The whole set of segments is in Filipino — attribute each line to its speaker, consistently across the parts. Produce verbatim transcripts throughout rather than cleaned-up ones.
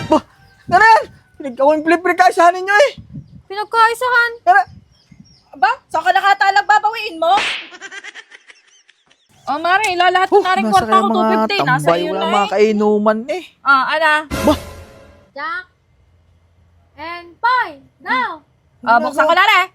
Speaker 1: Bah, Nanay! Pinagkawin flip-recasyahan ninyo eh!
Speaker 2: Pinagkaisahan.
Speaker 1: Nanay!
Speaker 3: Aba, saan ka nakatalag babawiin mo? Oh, Mare, ilalahat ko na rin
Speaker 1: nasa
Speaker 3: kwarta
Speaker 1: kaya
Speaker 3: ko, two
Speaker 1: mga
Speaker 3: fifty. Nasa
Speaker 1: tambay,
Speaker 3: iyo
Speaker 1: wala
Speaker 3: na
Speaker 1: mga
Speaker 3: eh.
Speaker 1: kainuman eh.
Speaker 3: Ah, ana.
Speaker 1: Bah!
Speaker 2: Jack. And Poy. Now.
Speaker 3: Ah, buksan ko na rin.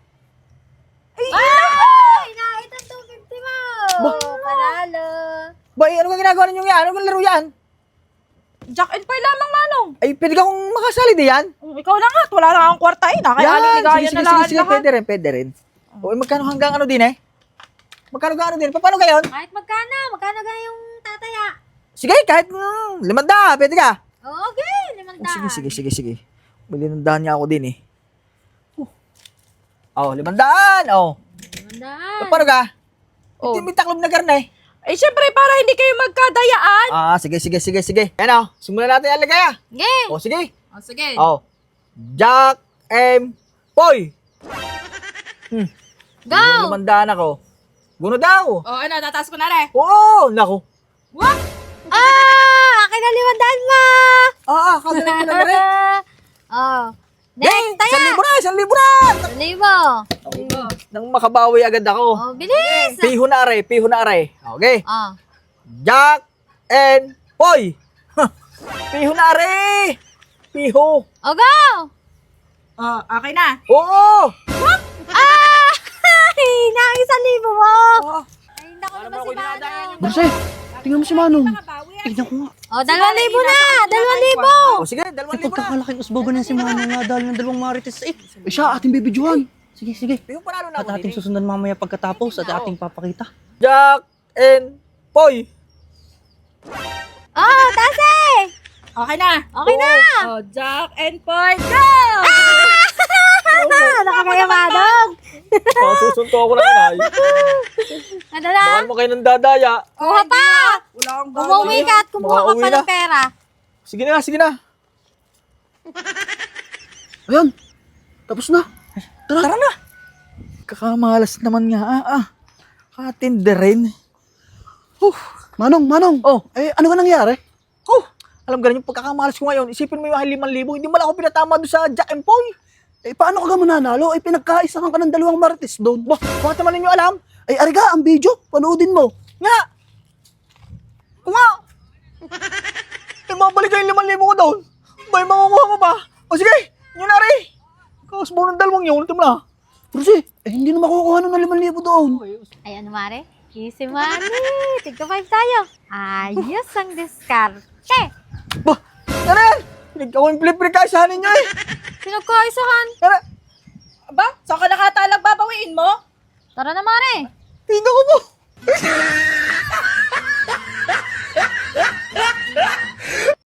Speaker 2: Ay! Na, itong two fifty mo.
Speaker 1: Bah!
Speaker 2: Panalo.
Speaker 1: Ba, eh, ano ka ginagawa ninyo yan? Ano kang laro yan?
Speaker 3: Jack and Poy lamang, Manong.
Speaker 1: Ay, pwede ka kong makasali di yan?
Speaker 3: Um, ikaw lang nga, wala na akong kwarta eh. Nakayaliligaya
Speaker 1: sige,
Speaker 3: na
Speaker 1: sige,
Speaker 3: lang
Speaker 1: sige, sige,
Speaker 3: lahat.
Speaker 1: pwede rin, pwede rin. O, eh, magkano hanggang ano din eh? Magkano hanggang ano din? Pa- Paano gayon?
Speaker 2: Kahit magkano, magkano ga yung tataya?
Speaker 1: Sige, kahit mm, limanda, pwede ka.
Speaker 2: Oh, okay, limang
Speaker 1: Oh,
Speaker 2: daan.
Speaker 1: sige, sige, sige, sige. Malinandaan niya ako din eh. Oh, limandaan, oh.
Speaker 2: Limang daan.
Speaker 1: Paano ka?
Speaker 3: Oh.
Speaker 1: Ito may taklob na karne.
Speaker 3: Eh, syempre, para hindi kayo magkadayaan.
Speaker 1: Ah, sige, sige, sige, sige. Yan oh, simulan natin ang lagay ah.
Speaker 2: Okay.
Speaker 1: Oh, sige.
Speaker 3: Oh, sige.
Speaker 1: Oh. Jack M. Poy. Hmm.
Speaker 2: Go!
Speaker 1: Limandaan ako. Guno daw.
Speaker 3: Oh, ano, tataas ko na rin.
Speaker 1: Oo, naku.
Speaker 3: What?
Speaker 2: Ah! Akin na limang daan mo!
Speaker 1: Ah, ah, kagaling ko na rin.
Speaker 2: Oh.
Speaker 1: Next,
Speaker 2: Next,
Speaker 1: isang
Speaker 2: taya!
Speaker 1: libo na, isang libo na.
Speaker 2: Libo.
Speaker 1: Nang makabawi agad ako.
Speaker 2: Oh, bilis!
Speaker 1: Piho na are, piho na are. Okay.
Speaker 2: Oh.
Speaker 1: Jack and Poy. Huh. Piho na are. Piho.
Speaker 2: Oh, go!
Speaker 3: Oh, okay na.
Speaker 1: Oo.
Speaker 2: Ah! Ay, na isang libo mo!
Speaker 1: Oh.
Speaker 2: Ay, naku
Speaker 1: Ano
Speaker 2: naman
Speaker 1: ba
Speaker 2: si
Speaker 1: ako dinadaan
Speaker 2: Manong.
Speaker 1: yung-
Speaker 4: Marce, tingnan mo si Manong.
Speaker 3: Makabawi ah.
Speaker 4: Tignan ko nga.
Speaker 2: Oh, dalawang libo na! Dalawang libo!
Speaker 1: Oh, sige, dalawang
Speaker 4: Ay,
Speaker 1: libo na.
Speaker 4: pagkakalaking usbogo na si Manong nga dahil ng dalawang marites. Eh, eh siya ating bibidyohan. Sige, sige.
Speaker 1: Piho panalo na
Speaker 4: At
Speaker 1: ako
Speaker 4: ating
Speaker 1: din eh.
Speaker 4: susundan mamaya pagkatapos at ating papakita.
Speaker 1: Jack and Poy.
Speaker 2: Oh, tase!
Speaker 3: Okay na.
Speaker 2: Okay na!
Speaker 3: Oh, Jack and Poy, go!
Speaker 2: Ah, nakakayamadog!
Speaker 1: Oh, susunto ako na inay.
Speaker 2: Ano na?
Speaker 1: Baka mo kayo nang dadaya.
Speaker 2: Kuha pa!
Speaker 3: Wala akong
Speaker 2: Umuwi ka at kumuha ka
Speaker 1: Makauwi
Speaker 2: pa
Speaker 1: na.
Speaker 2: ng pera.
Speaker 1: Sige na, sige na.
Speaker 4: Ayan, tapos na. Tara.
Speaker 1: Tara na. Kakamalas naman nga. Ah, ah. Katindi rin. Huh.
Speaker 4: Manong, Manong.
Speaker 1: Oh.
Speaker 4: Eh, ano ka nangyari?
Speaker 1: Oh. Alam ka rin yung pagkakamalas ko ngayon. Isipin mo yung limang libo. Hindi mo lang ako pinatama doon sa Jack and Poy.
Speaker 4: Eh, paano ka ga mananalo? Eh, pinagkaisahan ka ng dalawang marites doon.
Speaker 1: Bah, bakit naman ninyo alam?
Speaker 4: Ay, ariga, ang video. Panoodin mo.
Speaker 1: Nga. Kung nga. Eh, mabalik kayo yung limang libo ko doon. May makukuha mo ba? O sige, yun na rin. Kausbo ng dalawang yun. Ultim na.
Speaker 4: Marce, eh, hindi na makukuha ng limang libo doon.
Speaker 2: Ay, ano mare? Easy money! Tigka five tayo. Ayos ang diskarte.
Speaker 1: Bah, Nanay! Pinagkawin flip-recasyahan ninyo eh.
Speaker 2: Pinagkaisahan.
Speaker 1: Nanay!
Speaker 3: Aba, saan ka nakatalag babawiin mo?
Speaker 2: Tara na mare.
Speaker 1: Tingnan ko po.